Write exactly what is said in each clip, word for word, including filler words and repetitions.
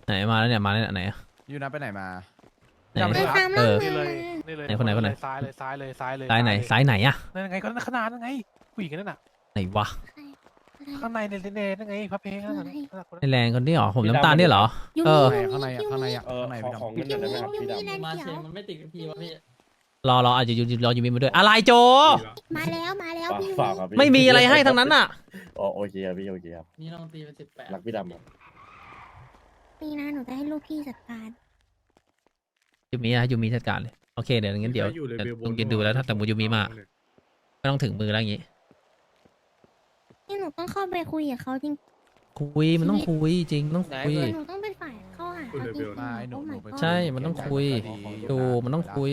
ไหนมาแล้วเนี่ยมาแล้วเนี่ยไหนอะยูนะไปไหนมาไหนไปตามเอล่องอมานี่เลยนี่เลยไหนคนไหนคนไหนซ้ายเลยซ้ายเลยซ้ายเลยซ้ายไหนเลยซ้ายไหนอะนั่นไงก็นั่นขนาดนั่นไงผู้หญิงนั่นน่ะไหนวะข้างในเนเน่นั่นไงพระเพงนั่นน่ะนั่นน่ะคนไอนั้นแรงคนนี้เหรอผมน้ำตาลเนี่ยเหรอยูเอมิอข้างในอ่ะข้างในอ่ะเออข้างในขอพี่ดำของเงินหน่อยได้ไหมครับพี่ดำยูมิมาเขีเชยวนมันไม่ติดกับพี่วะพี่รอรออาจจะอยู่รอยูมิมาด้วยอะไรโจมาแล้วมาแล้วพี่ยูฝากมิครับพี่ไม่มีอะไรให้ทั้งนั้นอ่ะอ๋อโอเคครับพี่โอเคครับนี่น้องตีเป็นสิบแปดรักพี่ดำครับนี่นะหนูจะให้ลูกพี่จัดการยูมิอะยูมิจัดการเลยโอเคเดี๋ยวงั้นเดี๋ยวเดี๋ยวลองกินดูแล้วถ้าแต่มูยูมิมาไม่ต้องถึงมือแล้วอย่างงี้นี่หนูต้องเข้าไปคุยกับเขาจริงคุยมันต้องคุยจริงต้องคุยหนูต้องเป็นฝ่ายเข้าหาเขาจริงๆมาหนูโอ้หนู my ไป god ใช่มันต้องคุย ดูมันต้องคุย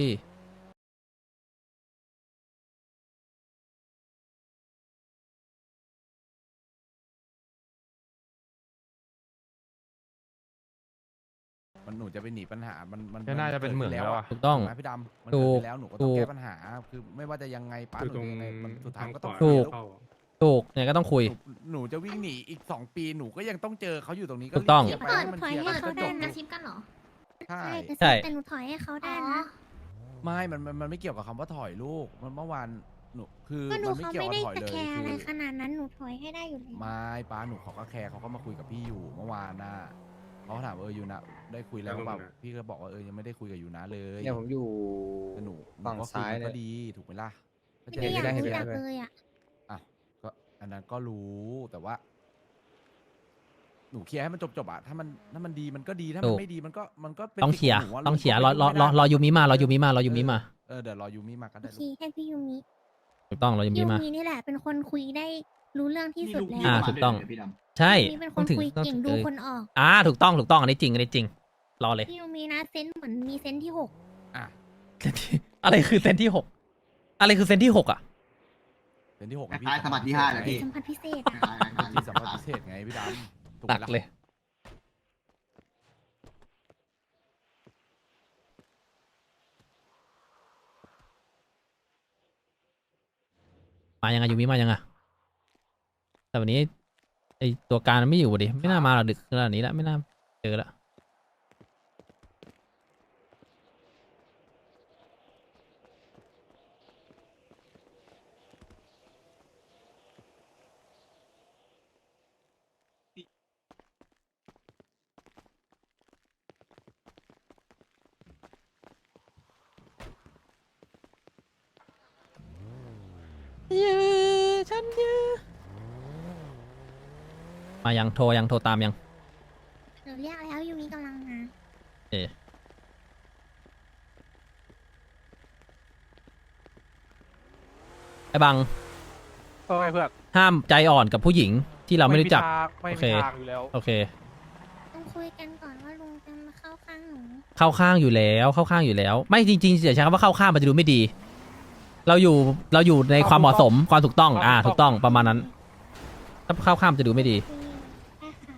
มันหนูจะไปหนีปัญหามันมันก็น่าจะเป็นเหมืองแล้วอะถูกต้องถูกไหมพี่ดำมันถูเกิดกไปแล้วหนูก็ถูต้องกแก้ปัญหาคือไม่ว่าจะยังไงป้าอยู่หนูตรงจะยังไงมันสุดท้ายก็ต้องถูกเข้าถูกเนี่ยก็ต้องคุยหนูหนูจะวิ่งหนีอีกสองปีหนูก็ยังต้องเจอเขาอยู่ตรงนี้ถูกต้องรีบเคลียร์ไปให้มันเคลียร์เปิดก็ถอยจให้บเขาได้จนะบกันเหรอใช่ใช่แต่หนูถอยให้เขาได้นะไม่มันมันมันไม่เกี่ยวกับคำว่าถอยลูกมันเมื่อวานหนูคือก็หนูมันไม่เขาเกี่ยวไม่กับได้ถอยจะเลยแคร์คือะไรอขนาดนั้นหนูถอยให้ได้อยู่แล้วไม่ป้าหนูเขาก็แคร์เขาก็มาคุยกับพี่อยู่เมื่อวานน่ะเขาถามเออยูนะได้คุยแล้วเปล่าพี่ก็บอกว่าเออยังไม่ได้คุยกับยูนะเลยเนี่ยผมอยู่แต่หนูหนูฝั่งก็คุซ้ายมันก็เนี่ยดีถูกไหมล่ะก็ไม่จะได้ได้อยากเห็นรู้ได้จักเห็นได้เลยอ่ะอ่ะก็อันนั้นก็รู้แต่ว่า หนูเคลียร์ให้มันจบจบๆอะถ้ามันถ้ามันดีมันก็ดีถ้าถูมันกไม่ดีมันก็มันก็เป็นต้องสิทธิ์เขียร์ขหนูะต้องเขียร์หรนูอก็รอไม่รอได้รอยูมิมารอยูมิมารอยูมิมาเออเดี๋ยวรอยูมิมาก็โอได้เคให้พี่ยูมิถูกต้องรอยูมิยูมามินี่แหละเป็นคนคุยได้รู้เรื่องที่สุดแล้วอ่าถูกต้อง ใช่ยูมิเป็นคต้อน งถึงคุยต้องเก่งถึงดูเออคนออกอ่าถูกต้องถูกต้องอันนี้จริงอันนี้จริงรอเลยพี่ยูมินะเซนส์เหมือนมีเซนส์ที่หกอ่ะเซนที่อะไรคือเซนที่หกอะไรคือเซนที่หกอ่ะเป็นที่หกคล้ายๆสมบัติที่ห้าเลยพี่สัมผัสพิเศษอะที่สัมผัสพิเศษไงพี่ดำถูกหไหมนักล่ะเลยมายังไงยูมิมายังไงแต่วันนี้ไอตัวการมันไม่อยู่ดิไม่น่ามาหรอกดึกขนาดนี้แล้วไม่น่าเจอละยื้อฉันยื้อมายังโทรยังโทรตามยังหนูเรียกแล้วยูมิกำลังมาเอไอ้บังเออเพื่อนห้ามใจอ่อนกับผู้หญิงที่เราไม่รู้จักไม่โอมีเคทางอยู่แล้วโอเคต้องคุยกันก่อนว่าลุงจะมาเข้าข้างหนูเข้าข้างอยู่แล้วเข้าข้างอยู่แล้ว ไม่จริงๆอย่าใช้คำว่าเข้าข้างมันจะดูไม่ดี เราอยู่เราอยู่ในความเหมาะสมความถูกต้องอ่าถูกต้องประมาณนั้น ถ้าเข้าข้างมันจะดูไม่ดีคุยได้ค่ะ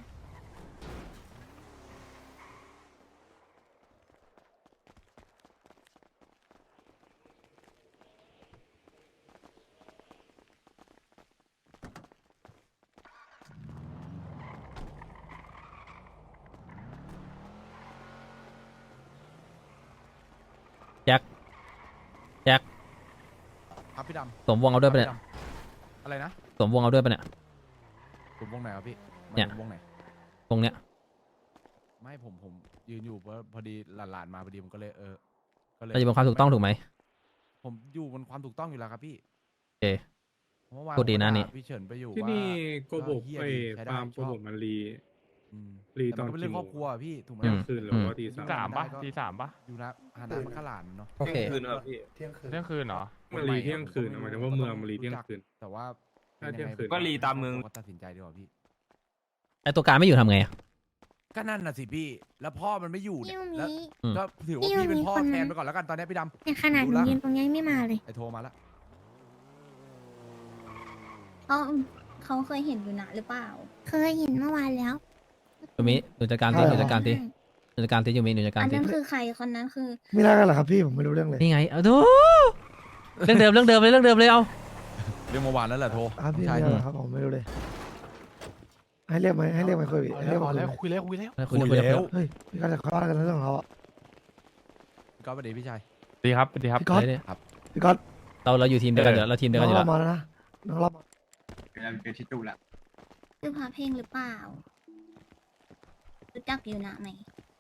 แจ็คแจ็คครับพี่ดำสวมวงเอาด้วยปะเนี่ยครับพี่ดำอะไรนะสวมวงเอาด้วยปะเนี่ยกลุ่มวงไหนครับพี่มัเนี่ยวงไหนวงเนี้ยไม่ผมผมยืนอยู่พอพอดีหลานๆมาพอดีผมก็เลยเออก็เลยเราจะเป็นความถูกต้องถูกไหมผมอยู่บนความถูกต้องอยู่แล้วครับพี่โอเคเมื่อวานพูดดีนะผมก็นี่ด่าพี่เฉินไปอยู่ที่ว่านี่โกบกเหี้ยไอ้ดีใช้ได้ฟาร์มโกชอบกมันรีอืมรีแต่ตอมัน นก็เป็นเรื่องกี่คโมรอง บครัวอะพี่ถูกไหมอืมเที่ยงคืนหรือว่าตีสามสามปะได้ก็ตีสามปะอยู่นะฮานามันขลานเนาะโอเคคืนครับพี่เที่ยงคืนเที่ยงคืนเหรอมันรีเที่ยงคืนหมายถึงว่าเมืองมันรีเที่ยงคืนแต่ว่าถ้าเที่ยงคืนก็รีตามเมืองก็ตัดสินใจดีกว่าพี่ไอตัวการไม่อยู่ทำไงอะก็นั่นน่ะสิพี่ แล้วพ่อมันไม่อยู่เนี่พี่ยยูมิแล้วอืมก็ถือว่าพี่พี่เป็นมีพ่อคนแทนไปก่อนแล้วกันตอนนี้พี่ดในขนาดหรู้นูละยืนตรงนี้ไม่มาเลยำไอโทรมาแล้วเขาเขาเคยเห็นอยู่นะหรือเปล่าเคยเห็นเมื่อวานแล้วยูมิหนูจัดการทีหนูจัดการทีหนูจัดการทียูมิหนูจัดการอันทีนั้นคือใครคนนั้นคือไม่ได้กันเหรอครับพี่ผมไม่รู้เรื่องเลยนี่ไงเอาดูเรื่องเดิมเรื่องเดิมเลยเรื่องเดิมเลยเอาเรื่องเมื่อวานนั่นแหละโทรครับพี่ใช่ไม่ได้เหรอครับผมไม่รู้เลยให้เรียกไหมให้เรียกไหมคุยเอาให้แล้เรียว กเอามาคุยแล้วไหมคุยแล้วคุยแล้วคุยคุยแล้วเฮ้ยพี่ก็จะเข้าบ้านกันแล้วเรื่องของเขาอะก็ประเดี๋ยวพี่ชายดีครับดีครับพี่ก๊อตเดี๋ยวพี่ก๊อตๆเราเราอยู่ทีมเดียวกันอยู่แล้วเราทีมเดียวน้กัอน งอยู่เราแล้วมาแล้วนะน้องเรามาคือพาเพลงหรือเปล่า รู้จักยูนะไหม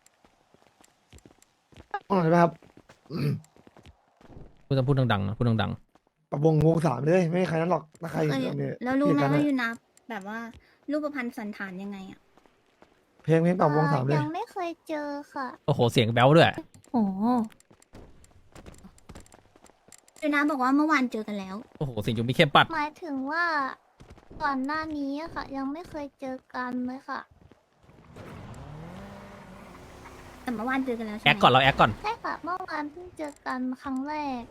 ห้องไหนไหมครับอืมพูดต้องพูดดังๆนะพูดดังปรับวงวงสามเลยไม่มีใครนั้นหรอกถ้าใครเคยเนี่ยแล้วรู้ไหมเกลียดกันว่าอะยูนะแบบว่ารูปพรรณสันฐานยังไงอะเพลงเพลงปรับวงสามเลยยังไม่เคยเจอค่ะๆ โอ้โห เสียงแบ๊วด้วยโอ้ยูนะบอกว่าเมื่อวานเจอกันแล้วโอ้โห เสียงจุมีเข้มปัดหมายถึงว่าก่อนหน้านี้อะค่ะ ยังไม่เคยเจอกันเลยค่ะแต่เมื่อวานเจอกันแล้วใช่ไหแอมคก่อนเราแอคก่อนใช่ค่ะ เมื่อวานเพิ่งเจอกันครั้งแรก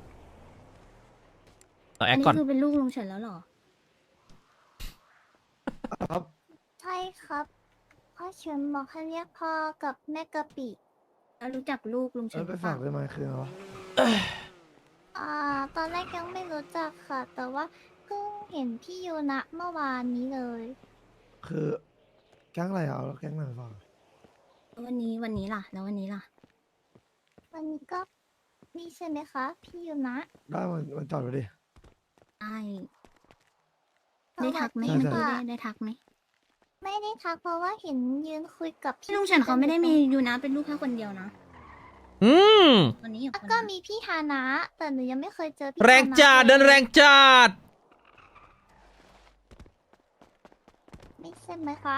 เราแออันคนี้ก่อนคือเป็นลูกลุงเฉินแล้วเหรอครับใช่ครับพ่อเฉินบอกให้เรียกพ่อกับแม่กะปิแล้วรู้จักลูกลุงเอเฉิอนหไปรือเปฝาล่ากได้ไหมคืออะไรวะอ่า ตอนแรกยังไม่รู้จักค่ะ แต่ว่าเพิ่งเห็นพี่ยูนะเมื่อวานนี้เลยคือแก๊งอะไรเอาแก๊งไหนฝากวันนี้วันนี้ล่ะ แล้ววันนี้ล่ะวันนี้ก็นี่ใช่ไหมคะ พี่ยูนะได้มันมันจอดไปดิได้ได้ทักไหมสวัเมื่สอดีกี้ค่ะได้ได้ทักไหมไม่ได้ทักเพราะว่าเห็นยืนคุยกับพี่ลุงเฉินเขาไม่ได้มียูนะเป็นลูกแค่คนเดียวนะอืมวันนี้อยู่แล้วคนก็เดียวมีพี่ฮานะ แต่หนูยังไม่เคยเจอพี่แรงฮานะจัดเดินลยแรงจัดไม่ใช่ไหมคะ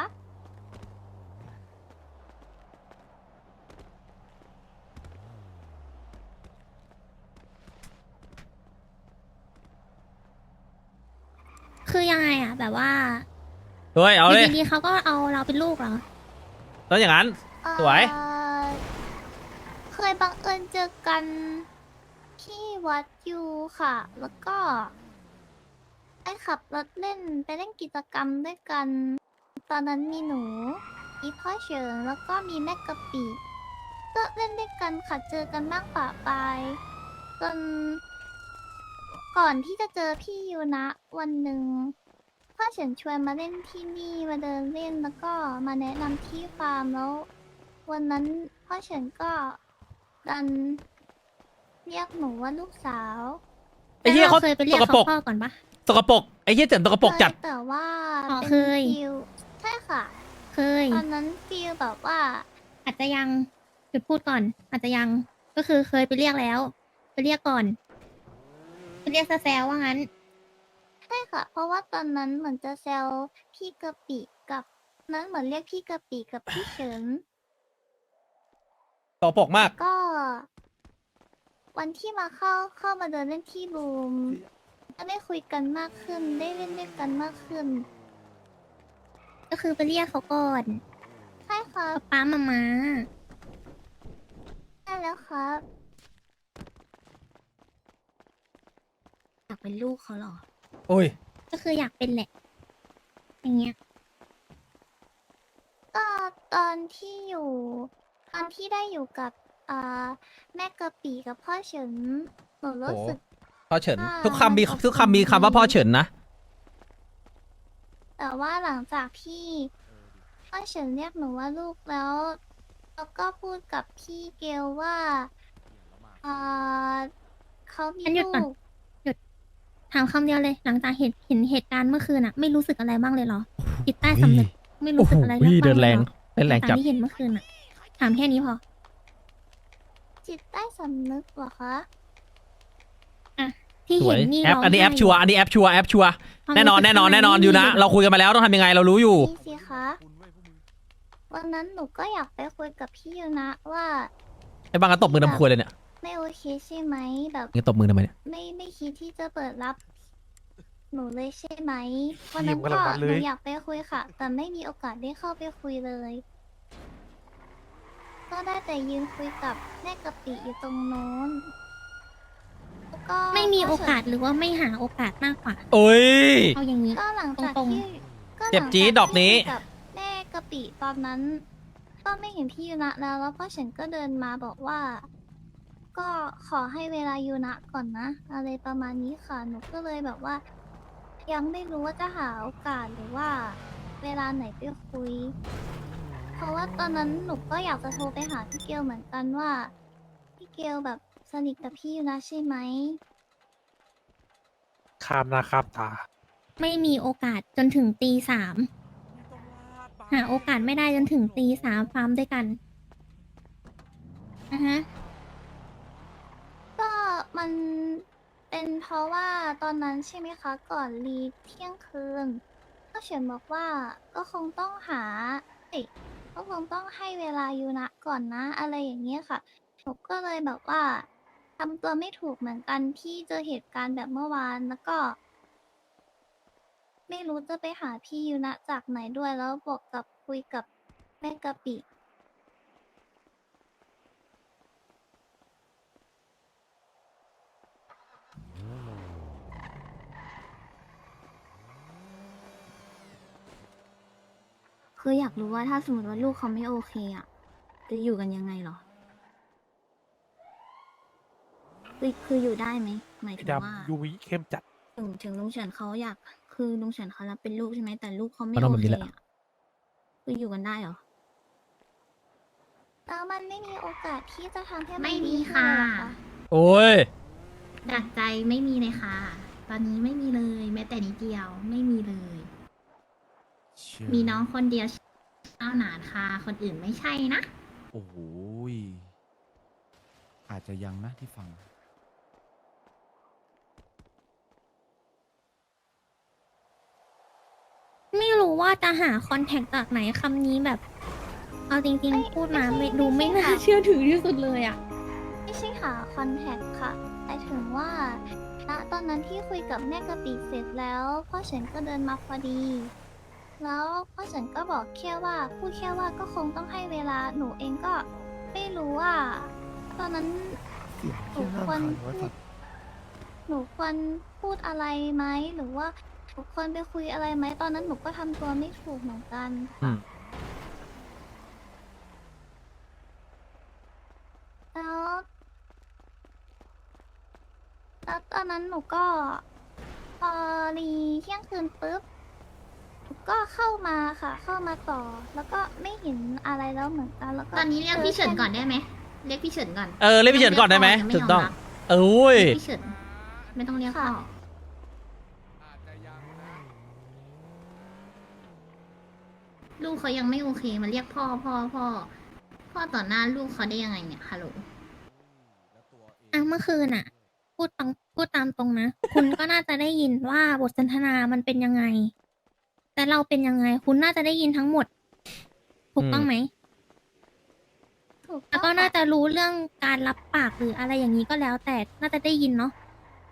คือยังไงอะแบบว่าเฮ้ย เอาเลยยู่ดีๆเขาก็เอาเราเป็นลูกเหรอแล้วอย่างนั้น สวยเอ่อเคยบังเอิญเจอกันที่วัดยูค่ะ แล้วก็ไปขับรถเล่นไปเล่นกิจกรรมด้วยกัน ตอนนั้นมีหนู มีพ่อเฉินแล้วก็มีแม่กะปิก็เล่นด้วยกันค่ะ เจอกันบ้างปะปายจนก่อนที่จะเจอพี่ยูนะวันหนึ่งพ่อเฉินชวนมาเล่นที่นี่มาเดินเล่นแล้วก็มาแนะนำที่ฟาร์มแล้ว วันนั้นพ่อเฉินก็ดันเรียกหนูว่าลูกสาวไอ้เหี้ยเขาเคยไปเรียกสกปรเขากพ่อก่อนปะสกปรกไอ้เหี้ยเจ๋งสกปรกจัดเคยแต่ว่าอ๋อเป็นเคยฟิลใช่ค่ะเคยตอนนั้นฟิลแบบว่าอาจจะยังหยุดพูดก่อน อาจจะยัง ก็คือเคยไปเรียกแล้ว ไปเรียกก่อน ไปเรียกซะแซวว่างั้นใช่ค่ะ เพราะว่าตอนนั้นเหมือนจะแซวพี่กะปิกับนั้นเหมือนเรียกพี่กะปิกับพี่เฉินสกปรกมากก็ วันที่มาเข้าเข้ามาเดินเล่นที่บูมก็ได้คุยกันมากขึ้น ได้เล่นด้วยกันมากขึ้นก็คือไปเรียกเขาก่อนใช่ครับป้ามามาใช่แล้วครับอยากเป็นลูกเขาเหรอโอ้ยก็คืออยากเป็นแหละ อย่างเงี้ยก็ตอนที่อยู่ ตอนที่ได้อยู่กับอ่าแม่กะปิกับพ่อเฉินหนูรู้สึกพ่อเฉินอ่าทุกคำมีมันทุกคำมีคำว่าพ่อเฉินนะแต่ว่าหลังจากที่พ่อเฉินเรียกหนูว่าลูกแล้วแล้วก็พูดกับพี่เกลว่าอ่าเขามีงั้นหยุดลูก่อนกถามคำเดียวเลย หลังจากเห็นเห็นเหตุการณ์เมื่อคืนอะไม่รู้สึกอะไรบ้างเลยเหรอ จิตใต้สำนึกไม่รู้สึกอะไรโอ้โหเรื่องบ้างเดินเลแรยงเหรอเดินแรงตาจัมบที่เห็นเมื่อคืนอะถามแค่นี้พอจิตใต้สำนึกเหรอคะที่สวเห็ยนนี่แอปร้งอันนี้แอปไห้ชัวร์อันนี้แอปชัวร์แอปชัวร์ความแน่นอนรู้สึกแน่นอนข้างใแน่นอนอยู่นะไม่มีเราคุยกันมาแล้วต้องทำยังไงเรารู้อยู่นี่สิคะ วันนั้นหนูก็อยากไปคุยกับพี่ยูนะว่าไอ้บางก็ตบมือทำครัวเลยเนี่ยไม่โอเคใช่ไหมแบบงั้นตบมือทำไมเนี่ยไม่ไม่คิดที่จะเปิดรับ หนูเลยใช่ไหมวันทีนั้มนกำลัก็งมันหเลนูยอยากไปคุยค่ะ แต่ไม่มีโอกาสได้เข้าไปคุยเลย ก็ได้แต่ยืนคุยกับแม่กะปิอยู่ตรงโน้นแล้วก็ไม่มีโอกาสหรือว่าไม่หาโอกาสมากกว่าโอ้ยเอาอย่างนี้ก็หลังจากตรงๆที่ก็หลังเจ็บจี๊ดจากดอกนี้ที่คุยกับแม่กะปิตอนนั้น ก็ไม่เห็นพี่ยูนะแล้ว แล้วพ่อฉันก็เดินมาบอกว่า ก็ขอให้เวลายูนะก่อนนะ อะไรประมาณนี้ค่ะ หนูก็เลยแบบว่า ยังไม่รู้ว่าจะหาโอกาสหรือว่าเวลาไหนไปคุย เพราะว่าตอนนั้นหนูก็อยากจะโทรไปหาพี่เกลเหมือนกันว่าพี่เกลแบบสนิทกับพี่อยู่นะใช่ไหมข้ามหน้าข้ามตาไม่มีโอกาสจนถึงตีสามหาโอกาสไม่ได้จนถึงตีสามฟาร์มด้วยกันอ่ะฮะก็มันเป็นเพราะว่าตอนนั้นใช่ไหมคะ ก่อนรีเที่ยงคืนก็เฉียนบอกว่าก็คงต้องหาเอ้ยก็คงต้องให้เวลายูนะก่อนนะ อะไรอย่างเงี้ยค่ะหนูก็เลยแบบว่าทำตัวไม่ถูกเหมือนกันที่เจอเหตุการณ์แบบเมื่อวานแล้วก็ ไม่รู้จะไปหาพี่ยูนะจากไหนด้วยแล้วบวกกับคุยกับแม่กะปิคืออยากรู้ว่าถ้าสมมติว่าลูกเขาไม่โอเคอ่ะ จะอยู่กันยังไงเหรอ คือคืออยู่ได้ไหม หมายถึงว่าดำยูวิเข้มจัดถึงถึงลุงเฉินเขาอยาก คือลุงเฉินเขารับเป็นลูกใช่ไหมแต่ลูกเขาไม่ก็ต้องโอแบบเคนี้แหละอ่ะคืออยู่กันได้เหรอแล้วมันไม่มีโอกาสที่จะทำให้นไม่มีดีขึ้นค่ะเลยเหรอคะโอ้ยดักใจไม่มีเลยค่ะ ตอนนี้ไม่มีเลย แม้แต่นิดเดียวไม่มีเลย มีน้องคนเดียวเอ้าหนานค่ะ คนอื่นไม่ใช่นะโอ้โหยอาจจะยังนะที่ฟังไม่รู้ว่าจะหาคอนแทคจากไหนคำนี้แบบ เอาจริงๆ พูดมาไม่ดูไม่น่าเชื่อถือที่สุดเลยอ่ะไม่ใช่หาคอนแทคค่ะแต่ถึงว่าณตอนนั้นที่คุยกับแม่กะปิเสร็จแล้วพ่อเฉินก็เดินมาพอดี แล้วพ่อเฉินก็บอกแค่ว่าพูดแค่ว่าก็คงต้องให้เวลาหนูเองก็ไม่รู้ว่า ตอนนั้นเสียงเที่ยงน่าควรขายว่าสัตว์หนูควรพูดอะไรไหมหรือว่าหนูควรไปคุยอะไรไหมตอนนั้นหนูก็ทำตัวไม่ถูกเหมือนกันอืค่ะมแล้วแล้วตอนนั้นหนูก็พอรีเที่ยงคืนปุ๊บหนูก็เข้ามาค่ะ เข้ามาต่อ แล้วก็ไม่เห็นอะไรแล้วเหมือนกันแล้วก็ตอนนี้เรียกพี่เฉินก่อนได้ไหม เรียกพี่เฉินก่อนเออเรียกพี่เฉินก่อนได้ไหมยังไม่ถูกต้องยอมรับเออโอ้ยเรียกพี่เฉิน ไม่ต้องเรียกพ่ออาจจะยังนะลูกเขายังไม่โอเคมาเรียกพ่อพ่อพ่อ พ่อต่อหน้าลูกเขาได้ยังไงเนี่ยฮัลโหลแล้วตัวเองอ่ะเมื่อคืนอ่ะ พูดตรงพูดตามตรงนะ คุณก็น่าจะได้ยินว่าบทสนทนามันเป็นยังไง แต่เราเป็นยังไง คุณน่าจะได้ยินทั้งหมด ถูกต้องไหมถูกแล้วต้ก็องน่าค่ะจะรู้เรื่องการรับปากหรืออะไรอย่างนี้ก็แล้ว แต่น่าจะได้ยินเนาะ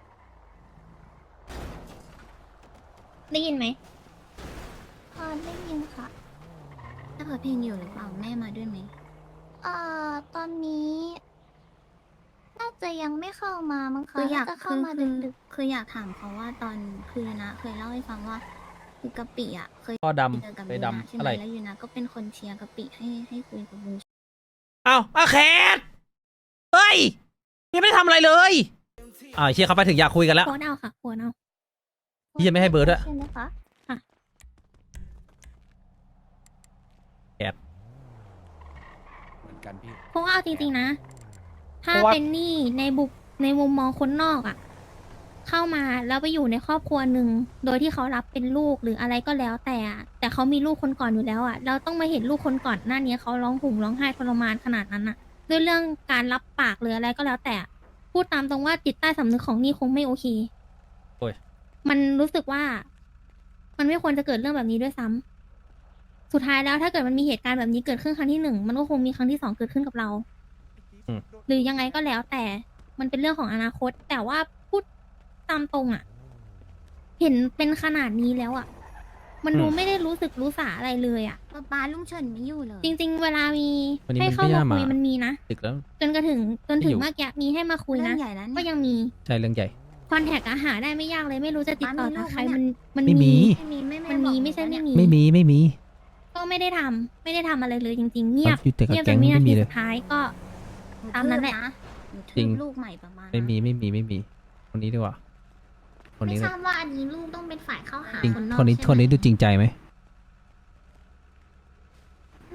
ได้ยินไหมพอได้ยินค่ะถ้าเปิดเพลงอยู่หรือเปล่าแม่มาด้วยไหมเอ่อตอนนี้ น่าจะยังไม่เข้ามามั้งคะคืออยากน่จะเข้าคือมาคือดึกคืออยากถามเขาว่าตอนคือยูนะ เคยเล่าให้ฟังว่าคือกะปิอ่ะ เคยพ่อดเจอกับำไปยูนะดำใช่ไหอะมไรแล้วยูนะก็เป็นคนเชียร์กะปิให้ให้คุยกับลุงเอ้าอาแคทเฮ้ยยังไม่ได้ทำอะไรเลยอ่าเชียร์เขาไปถึงอยากคุยกันแล้วโพสต์เอาค่ะโพสต์เอาๆพี่ยังไม่ให้เบอร์ด้วยใช่ไหมคะเหมือนกันพี่เพราะว่าเอาจริงๆนะ ถ้าเพราะว่าเป็นหนี่ในบุกในมุมมองคนนอกอะ่ะ เข้ามาแล้วไปอยู่ในครอบครัวหนึ่งโดยที่เขารับเป็นลูกหรืออะไรก็แล้วแต่อะแต่เขามีลูกคนก่อนอยู่แล้วอะ่ะเราต้องมาเห็นลูกคนก่อนหน้านี้เขาร้องห่มร้องไห้ทรมานขนาดนั้นอะ่ะด้วยเรื่องการรับปากหรืออะไรก็แล้วแต่ พูดตามตรงว่าจิตใต้สำนึกของนี่คงไม่โอเคโอ้ยมันรู้สึกว่า มันไม่ควรจะเกิดเรื่องแบบนี้ด้วยซ้ำสุดท้ายแล้วถ้าเกิดมันมีเหตุการณ์แบบนี้เกิดขึ้นครั้งที่หนึ่งมันก็คงมีครั้งที่สองเกิดขึ้นกับเราอืมหรือยังไงก็แล้วแต่มันเป็นเรื่องของอนาคต แต่ว่าพูดตามตรงอะ่ะ เห็นเป็นขนาดนี้แล้วอะ่ะ มันดูไม่ได้รู้สึกรู้สาอะไรเลยอะ่ะป้าป้าลุงเฉินไม่อยู่เลยจริง ๆ เวลามีวันนี้ให้มันเข้าไม่มาน่าคุยมามันมีนะดึกแล้วจนกระถึงจนถึไม่อง ยู่เมื่อกี้มีให้มาคุยเรื่นะองใหญ่นะก็เนี่ยยังมีใช่เรื่องใหญ่คอนแทคอะหาได้ไม่ยากเลยไม่รู้จะติดต่อป้ามีลูจากกใครไหมมันเนี่ยมันไม่มีไม่มีไม่มันมีบอกไม่ใช่หนูไม่นะมีไม่มีไม่มีก็ไม่ได้ทำไม่ได้ทำอะไรเลยจริง ๆ เงียบอยู่แต่กับเงียบจแก๊งนวินาไม่มีทีเลยสุดท้ายก็หนูตามนั้นแหละทืบหนูทืบจริงลูกใหม่ประมาณไม่มีไม่มีไม่มี คนนี้ดีกว่า คนไม่นี้ทเลยราบว่าอันนี้ลูกต้องเป็นฝ่ายเข้าหาจริงคนนอกคนนี้ใช่ไหมคนนี้ดูจริงใจไหม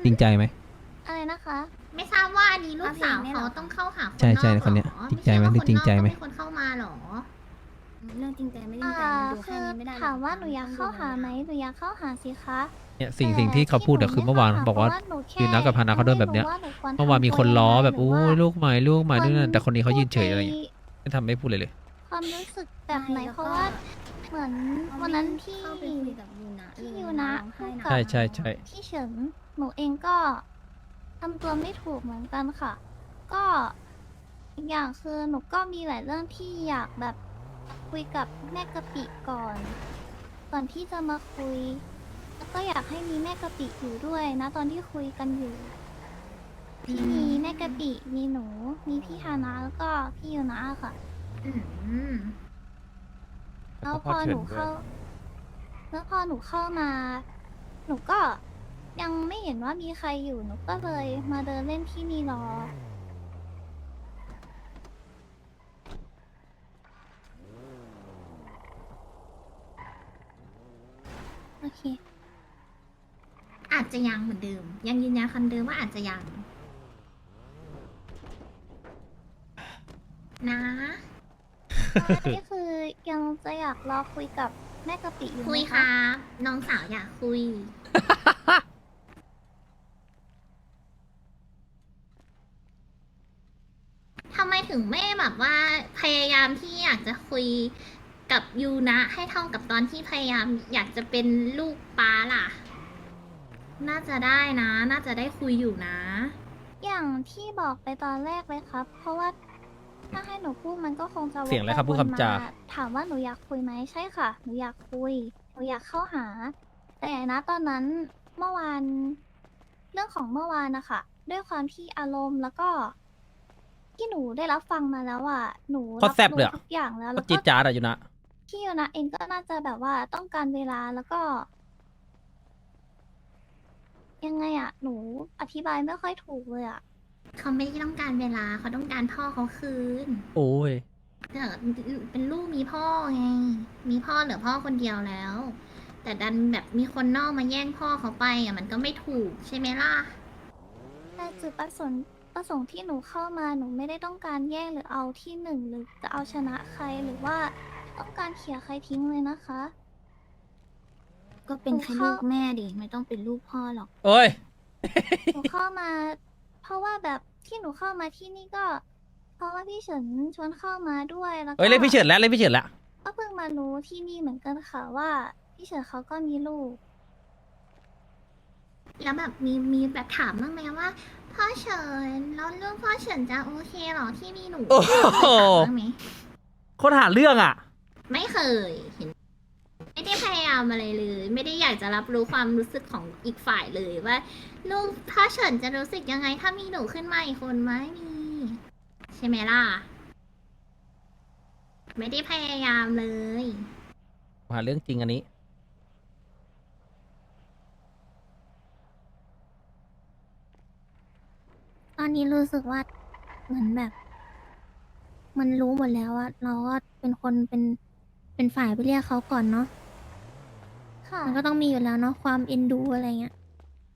จริงใจไหมอะไรนะคะไม่ทราบว่าอันนี้ลูกสาวเขาต้องเข้าหาคนนอกใช่ใช่เหรอคนเนี้ยจริงใจไหมไม่หรือจริงใจไหมช่ว่าคนนอกก็เป็นคนเข้ามาเหรอเรื่องจริงใจไม่จริอ่างใจมันดูคืแค่อนี้ไม่ได้รอกถามว่าหนูอยากเข้าหาไหมหนูอยากเข้าหาสิคะเนี่ยสิ่งสิ่งที่เขาพูดอะคือเมื่อวานบอกว่า ยืนนัดกับพานาเขาโดนแบบเนี้ย เมื่อวานมีคนล้อแบบอู้ยลูกใหม่ลูกใหม่ด้วยนั่นแต่คนนี้เขายืนเฉยอะไรอย่างเงี้ยไม่ทำไม่พูดเลยเลยความรู้สึกแบบไหนเพราะว่าเหมือนวันนั้นที่เข้าไปคุยกับยูนะที่เลยยูนะร้องไห้หนักใช่ใช่ใช่พี่เฉินหนูเองก็ทำตัวไม่ถูกเหมือนกันค่ะ ก็อีกอย่างคือหนูก็มีหลายเรื่องที่อยากแบบคุยกับแม่กะปิก่อน ก่อนที่จะมาคุย แล้วก็อยากให้มีแม่กะปิอยู่ด้วยนะตอนที่คุยกันอยู่ที่มีแม่กะปิมีหนู มีพี่ฮานะแล้วก็พี่ยูนะค่ะอืมแล้วพอหนูเข้า แล้วพอหนูเข้ามา หนูก็ยังไม่เห็นว่ามีใครอยู่ หนูก็เลยมาเดินเล่นที่นี่รอโอเคอาจจะยังเหมือนเดิม ยังยืนยันคำเดิมว่าอาจจะยัง นะนี่คือยังจะอยากรอคุยกับแม่กะปิอยู่ไหมคุยคะค่ะน้องสาวอยากคุย ทำไมถึงไม่แบบว่าพยายามที่อยากจะคุยกับยูนะ ให้เท่ากับตอนที่พยายามอยากจะเป็นลูกป้าล่ะ น่าจะได้นะ น่าจะได้คุยอยู่นะอย่างที่บอกไปตอนแรกเลยครับ เพราะว่าถ้าให้หนูพูดมันก็คงจะวกเสียงอะไรครับปพูดคำจาวนมถามว่าหนูอยากคุยไหมใช่ค่ะ หนูอยากคุย หนูอยากเข้าหา แต่นะตอนนั้นเมื่อวาน เรื่องของเมื่อวานนะคะด้วยความที่อารมณ์แล้วก็ ที่หนูได้รับฟังมาแล้วอ่ะหนูโคตรแซ่บเลยอะทุกอย่างแล้วก็แล้วจีก็ดจ้าดอะอยู่นะพี่โยนะเองก็น่าจะแบบว่าต้องการเวลาแล้วก็ ยังไงอะหนูอธิบายไม่ค่อยถูกเลยอะเขาไม่ได้ต้องการเวลาเขาต้องการพ่อเขาคืนโอ้ยเออเป็นลูกมีพ่อไง มีพ่อเหลือพ่อคนเดียวแล้ว แต่ดันแบบมีคนนอกมาแย่งพ่อเขาไปอ่ะมันก็ไม่ถูกใช่ไหมล่ะแต่จุดประสงค์ประสงค์ที่หนูเข้ามาหนูไม่ได้ต้องการแย่งหรือเอาที่หนึ่งหรือจะเอาชนะใครหรือว่าต้องการเขี่ยใครทิ้งเลยนะคะก็เป็นแค่ลูกแม่ดิไม่ต้องเป็นลูกพ่อหรอกโอ้ยหนูเข้ามา เพราะว่าแบบที่หนูเข้ามาที่นี่ก็ เพราะว่าพี่เฉินชวนเข้ามาด้วยแล้วก็เอ้ยเล่นพี่เฉินแล้วเล่นพี่เฉินแล้วก็เพิ่งมารู้ที่นี่เหมือนกันค่ะว่าพี่เฉินเขาก็มีลูกแล้วแบบมีมีแบบถามบ้างไหมว่าพ่อเฉินแล้วเรื่องพ่อเฉินจะโอเคเหรอที่มีหนูโอ้โหเคยถามบ้างไหมคนหาเรื่องอ่ะไม่เคยเห็น ไม่ได้พยายามอะไรเลย ไม่ได้อยากจะรับรู้ความรู้สึกของอีกฝ่ายเลยว่าลูกพ่อเฉินจะรู้สึกยังไงถ้ามีหนูขึ้นมาอีกคนไหมมีใช่ไหมล่ะ ไม่ได้พยายามเลยหาเรื่องจริงอันนี้ตอนนี้รู้สึกว่าเหมือนแบบ มันรู้หมดแล้วอะเราก็เป็นคนเป็นเป็นฝ่ายไปเรียกเขาก่อนเนาะค่ะมันก็ต้องมีอยู่แล้วเนาะความเอ็นดูอะไรเงี้ย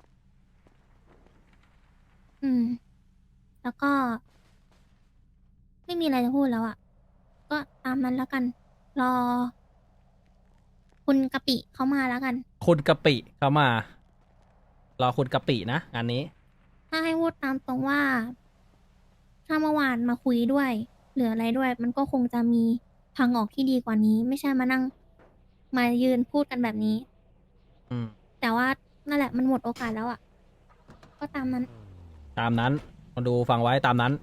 อืม แล้วก็ ไม่มีอะไรจะพูดแล้วอะก็ตามนั้นแล้วกัน รอ คุณกะปิเขามาแล้วกันคุณกะปิเข้ามา รอคุณกะปินะงานนี้ถ้าให้พูดตามตรงว่า ถ้าเมื่อวานมาคุยด้วยหรืออะไรด้วย มันก็คงจะมีทางออกที่ดีกว่านี้ ไม่ใช่มานั่ง มายืนพูดกันแบบนี้อืมแต่ว่านั่นแหละมันหมดโอกาสแล้วอะ่ะ ก็ตามนั้นตามนั้นมาดูฟังไว้ตามนั้น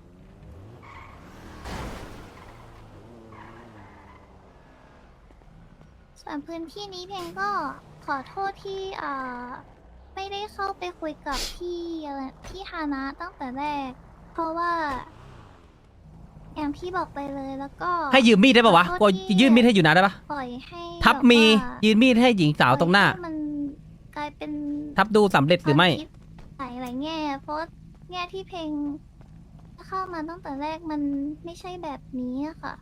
ส่วนพื้นที่นี้เพลงก็ขอโทษที่อ่าไม่ได้เข้าไปคุยกับพี่อะไรพี่ฮานะตั้งแต่แรก เพราะว่า อย่างที่บอกไปเลยแล้วก็ให้ยืมมีดได้ปะวะขอโทษกูที่ยื่นมีดให้อยู่นะได้ปะปล่อยให้ทับมีแบบว่ายืนมีดให้หญิงสาวตรงหน้าปล่อยให้มันกลายเป็นทับดูสำเร็จหรือไม่ควาคิดหลายหลายแง่ เพราะแง่ที่เพลงเข้ามาตั้งแต่แรกมันไม่ใช่แบบนี้อะค่ะ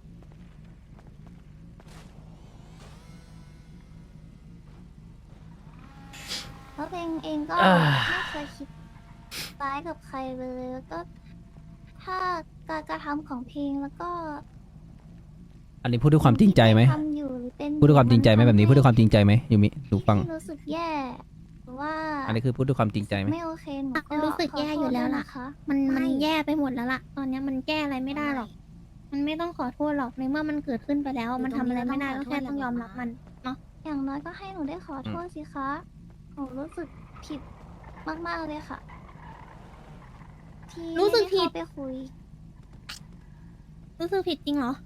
แล้วเพลงเองก็อ่าไม่เคยคิดร้ายกับใครเลยแล้วก็ ถ้าการกระทำของเพลงแล้วก็อันนี้พูดด้วยความจริงใจไหมทำอยู่หรือเป็นพูดด้วยความจริงใจไหมแบบนี้พูดด้วยความจริงใจไหมยูมิดูฟังที่รู้สึกแย่หรือว่าอันนี้คือพูดด้วยความจริงใจไหมไม่โอเคหนูก็รู้สึกแย่อยู่แล้วล่ะขโทษด้วยนะคะมันมันไม่แย่ไปหมดแล้วล่ะ ตอนเนี้ยมันแก้อะไรไม่ได้หรอก มันไม่ต้องขอโทษหรอกในเมื่อมันเกิดขึ้นไปแล้ว มันทำอะไรไม่ได้ก็แค่ต้องยอมรับมันเนาะอย่างน้อยก็ให้หนูได้ขอโทษสิคะหนูรู้สึกผิดมากๆเลยค่ะ ที่รู้สึกผิดไม่ไเข้าไปคุยรู้สึกผิดจริงเหรอ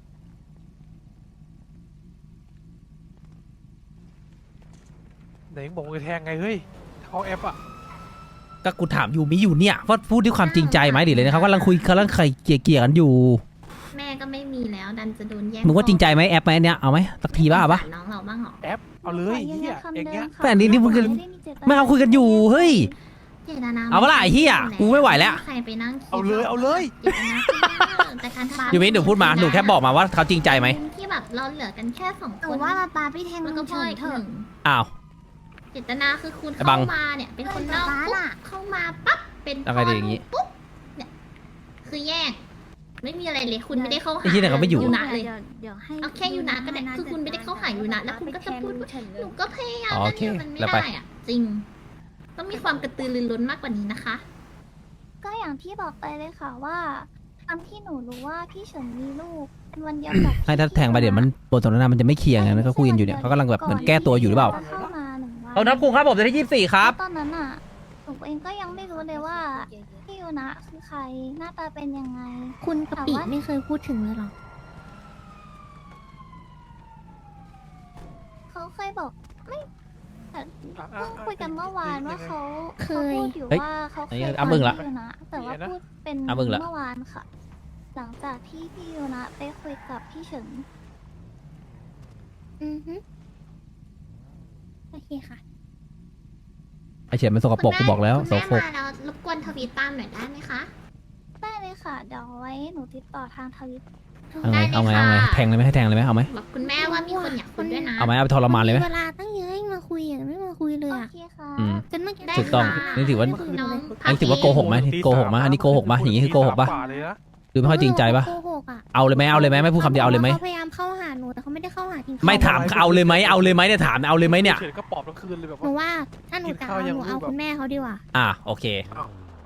ไหนมึงบอกมึงจะแทงไงเฮ้ยเขาแอปอ่ะก็กูถามยูมิอยู่เนี่ยว่าพูดด้วยความจริงใจไหมดิเลยนะครับกำลังคุยกำลังใครเกลี่ยๆกันอยู่แม่ก็ไม่มีแล้วดันจะโดนแย่งมึงว่าจริงใจไหมแอปไหมอันเนี้ยเอาไหมสักทีบ้าปะสงสรน้องเราบ้างเหรอแอปเอาเลยเฮียคำเองเงี้ยดิมค่ะแต่อันนี้นี่มึงไได้มีจตนาไม่เอาคุยกันอยู่เฮ้ยเจตนาเอาปะล่ะไอ้เหี้ยกูไม่ไหวแล้วใครไปนั่งคิดเอาเลยเอาเลยเจตนาคือแต่การทำยูมิหนูพูดมาหนูแค่บอกมาว่าเขาจริงใจไหมที่แบบเราเหลือกันแค่สองหคนูนว่ามาปาพี่แทงแล้วลุก็งพ่อเฉินอีกเถหอะนึ่งอ้าวเจตนาคือคุณไอ้บัเข้าง มาเนี่ยเป็นคนนอกฟ้าปุ๊บล่ะเข้ามาปั๊บเป็นเอาไงดีอย่างงี้ปุ๊บเนี่ยคือแยก ไม่มีอะไรเลยคุณไม่ได้เข้าหาไอ้ที่ไหนเขาไม่อยู่ยูนะเลยเดี๋ยวเดี๋ยวให้เอาแค่ยูนะก็ได้คือคุณไม่ได้เข้าหายูนะแล้วคุณก็จะพูดว่าหนูก็พยายามอ๋อโอเคนั่นมันไม่แล้วไปได้อะจริง ต้องมีความกระตือรือร้นมากกว่านี้นะคะก็อย่างที่บอกไปเลยค่ะว่าตามที่หนูรู้ว่าพี่เฉินมีลูกเป็นวันเดียวกับให้ถ้าแทงไปเดี๋ยวมันบทสนทนามันจะไม่เคลียร์ไงแล้วก็คุยกันอยู่เนี่ยเขากำลังแบบเหมือนแก้ตัวอยู่หรือเปล่าจะเข้ามาหนึ่งวันเอานับคุงครับผมจะที่ยี่สิบสี่ครับแล้วตอนนั้นอ่ะหนูเองก็ยังไม่รู้เลยว่าพี่ยูนะคือใครหน้าตาเป็นยังไงคุณกะปิไม่เคยพูดถึงเลยหรอเขาเคยบอกไม่แต่อ่ะเพิ่งอ่ะคุยกันเมื่อวานว่าเขาเคเขายพูดอยู่เฮ้ยว่าเขาเคอันยนี้ฟัอ่ะมึงละพี่ยูนะแต่ว่าเดี๋ยวนะพูดเป็นอ่ะมึงละเมื่อวานค่ะ หลังจากที่พี่ยูนะไปคุยกับพี่เฉินอือฮึโอเคค่ะไอเฉียนมันสกปรกกูบอกแล้วคุณสแม่กปรกมาแล้วรบกวนทวีตตามหน่อยได้ไหมคะได้เลยค่ะ เดี๋ยวไว้หนูติดต่อทางทวิตเอาไงเอาไงเอาไงแทงเลยไหมให้แทงเลยไหมเอาไหมบอกคุณแม่ว่ามีคนอยากคุยด้วยนะเอาไหมเอาไปทรมานเลยไหมเวลาตั้งเยอะยังมาคุยอ่ะไม่มาคุยเลยโออ่ะเคค่ะอืมจนเมื่อกี้ได้ถูกต้องค่ะนี่ถือว่าน้องอันนี้ถือว่าโกหกไหมโกหกไหมอันนี้โกหกไหมอย่างนี้คือโกหกปะตีสามว่าเลยนะหรือไม่ค่อยจริงใจปะโกหกอ่ะเอาเลยไหมเอาเลยไหมไม่พูดคำเดียวเอาเลยไหมเขาพยายามเข้าหาหนูแต่เขาไม่ได้เข้าหาจริงๆไม่ถามเอาเลยไหมเอาเลยไหมเนี่ยถามเอาเลยไหมเนี่ยเฉยๆก็ปอบทั้งคืนเลยแบบหนูว่าว่าถ้าหนูจะกินข้าเอาวยังหนูเอารูปแบบคุณแม่เขาดีกว่าอ่ะโอเคอ้าว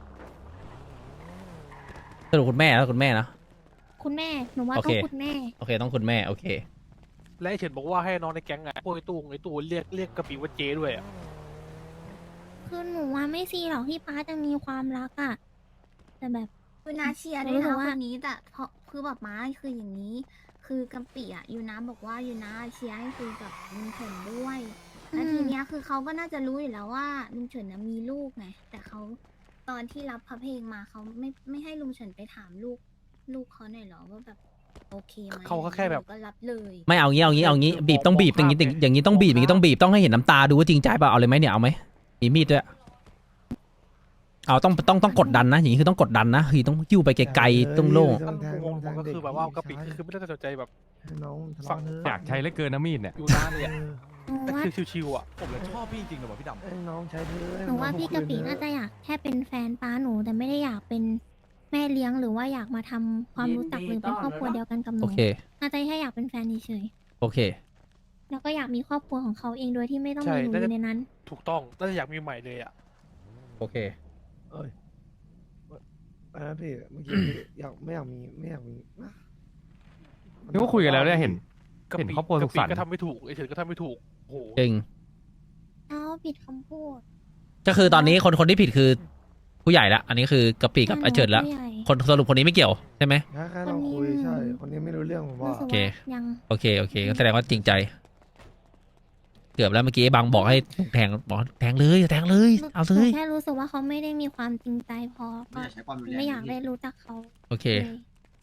สรุปคุณแม่แล้วคุณแม่นะคุณแม่หนูว่าโอต้อเคงคุณแม่โอเคต้องคุณแม่โอเคและไอ้เฉินบอกว่าให้น้องในแก๊งไงพวกไอ้ตู้ไอ้ตู้เรียกเรียกกะปิว่าเจด้วยอ่ะคือหนูว่าไม่ซีหรอกที่ป้าจะมีความรักอ่ะแต่แบบยูนาเชียร์ด้วยรู้สึนะกว่าคนนี้แต่เพราะคือแบบม้าคืออย่างนี้ คือกำปิอ่ะยูนาบอกว่ายูนาเชียร์ให้คุยกับลุงเฉินด้วยแล้วทีเนี้ยคือเขาก็น่าจะรู้อยู่แล้วว่าลุงเฉินน่ะมีลูกไงแต่เขาตอนที่รับพระเพลงมาเขาไม่ไม่ให้ลุงเฉินไปถามลูกลูกเขาหน่อยเหรอว่าแบบโอเคไหมเขาก็แค่แบบก็รับเลยไม่เอางี้เอางี้เอางี้บีบต้องบีบอย่างงี้อย่างงี้ต้องบีบอย่างงี้ต้องบีบต้องให้เห็นน้ำตาดูว่าจริงใจเปล่าเอาเลยไหมเนี่ยเอาไหมมีมีดด้วยเอาต้องต้องต้องกดดันนะอย่างนี้คือต้องกดดันนะคือต้องยิ้วไปไกลๆต้องโล่งมันงงๆก็คือแบบว่ากะปิคือไม่ได้สนใจแบบให้น้องทะฟังเลาะเถอะอยากใช้เหลือเกินนะมีดเนี่ยอยู่นานเลยอ่ะหนูแต่ว่าคือชิวๆอ่ะผมเลยชอบพี่จริงๆเลยว่ะพี่ดำให้น้องใช้เถอะให้หนูว่าองพี่กะปิคืนเถน่าจะอยากแค่เป็นแฟนป้าหนู แต่ไม่ได้อยากเป็นแม่เลี้ยงหรือว่าอยากมาทำความรู้จักหรือเป็นครอบครัวเดียวกันกับหนูโอเคน่าจะแค่อยากเป็นแฟนเฉยโอเคๆแล้วก็อยากมีครอบครัวของเขาเองโดยที่ไม่ต้องใช่มีหนูน่าอจะยู่ในนั้นถูกต้องน่าจะอยากมีใหม่เลยอ่ะโอเคเอ้ยเอะไรนะพี่เมื่อกี้พี่อยากไม่อยากมีไม่อยากมีนะนี่ก็คุยกันแล้วเนี่ยเห็นกะเห็นปิครอบครัวสุขสันต์กะปิก็ทำไม่ถูกไอ้เฉินก็ทำไม่ถูกโอ้โหจริงเอาผิดคำพูดก็คือตอนนี้คนคนที่ผิดคือผู้ใหญ่ละอันนี้คือกะปิกับไอเฉิดละผู้ใหญ่คนสรุปคนนี้ไม่เกี่ยวใช่ไหมแค่แค่ลองคุยคนนี้ใช่ คนนี้ไม่รู้เรื่องผมว่ารู้สึกโอเคว่ายังโอเคโอเคก็แสดงว่าจริงใจ เกือบแล้วเมื่อกี้ไอ้บังบอกให้แทงบอกแทงเลยแทงเลยเอาเลหนูยแค่รู้สึกว่าเขาไม่ได้มีความจริงใจพอก็ไม่อยากได้รู้จักเขาโอเคเลย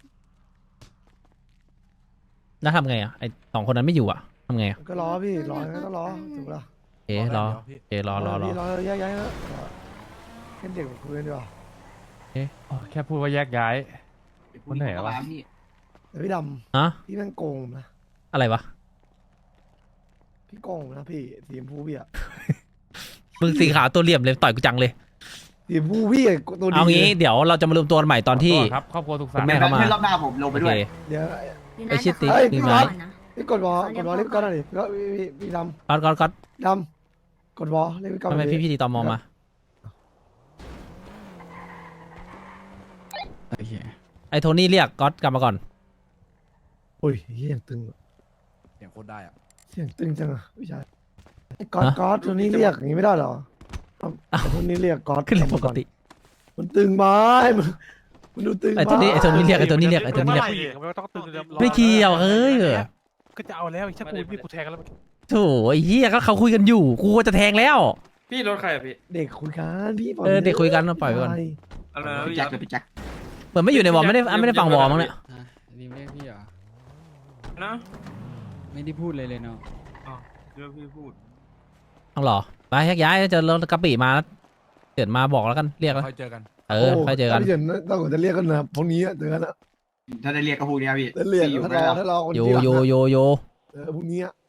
แล้วทำไงอ่ะไอสองคนนั้นไม่อยู่อ่ะทำไงอ่ะก็รอพี่รองั้นก็รอถูกปะล่ะเอ๊ะรอเอ๊ะรอรอรอพี่รอแยกย้ายแล้วเป็นเด็กคุยกันดีกว่าอ๋อแค่พูดว่าแยกย้ายวันไหนวะแต่พี่ดฮะำพี่แม่งโกงผมนะอะไรวะพี่โกงผมนะพี่สีชมพูพี่อะมึงสีขาวตัวเหลี่ยมเลยต่อยกูจังเลยทีผู้พี่ไอ้ตัวดีเอางี้ลยเดี๋ยวเราจะมารวมตัวกันใหม่ตอนที่ขอโทษครับครอบครัวทุกคุสาณรแม่เข้ามาเพื่อนรอบหน้าผมลงไปโอด้วเคยเดี๋ยวอยู่ไอ้นะชิดติ๊กเดี๋ยวนี่เขาไหมก่อนนะนี่กดวอลกดวอลเล่นก้อนหน่อยดิก็พี่พี่ดก๊อตก๊อตก๊อตำดำกดวอลเล่นก้อนหทำน่ไมอยดิพี่พี่ตีตอมอมา ไอ้โทนี่เรียกก๊อตกลับมาก่อนโอ้ยเฮียยังตึงอะเสียงโคตรได้อะเสียงตึงจังอะพี่ชายไอ้ก๊อตก๊อตตัวนี้เรียกอย่างนี้ไม่ได้เหรอเอาไอ้ตัวนี้เรียกก๊อตขึ้นเลยปกติมันตึงไหม้มันมันดูตึงไอ้ตัวนี้ไอ้ตัวนี้เรียกไอ้ตัวนี้เรียกไอ้ตัวนี้เรียกผู้หญิงไม่ต้องตื่นเร็วไม่เกี่ยวเฮ้ยก็จะเอาแล้วไอ้ชักกูนี่กูแทงกันแล้วโถ่ไอ้เหี้ยก็เขาคุยกันอยู่ กูก็จะแทงแล้วพี่รถใครอะพี่เด็กคุยกันพี่ปล่เออเด็กคุยกันปล่อยไว้ก่อนใช่อะไรนะพี่พี่แจ็คเลยพี่แจ็คเหมือนไม่อยู่ในวอลไม่ได้ไม่ได้ฟังวอลมั้งเนี่ยนี่ไม่พี่เหรอนะไม่ได้พูดเลยเลยเนาะเดี๋ยวพี่พูดต้องหรอไปแยกย้ายเจอรถกระปิมาแล้วเกิดมาบอกแล้วกันเรียกแล้วค่อยเจอกันเออค่อยเจอกันถ้าเห็นต้องจะเรียกกันนะพวกนี้อะเจอกันนะถ้าได้เรียกก็พวกเนี้ยพี่จะเรียกพี่อยู่ถ้าไหมรอล่ะถ้ารอคนโยเดียวโยโยโยเออพวกนี้อะ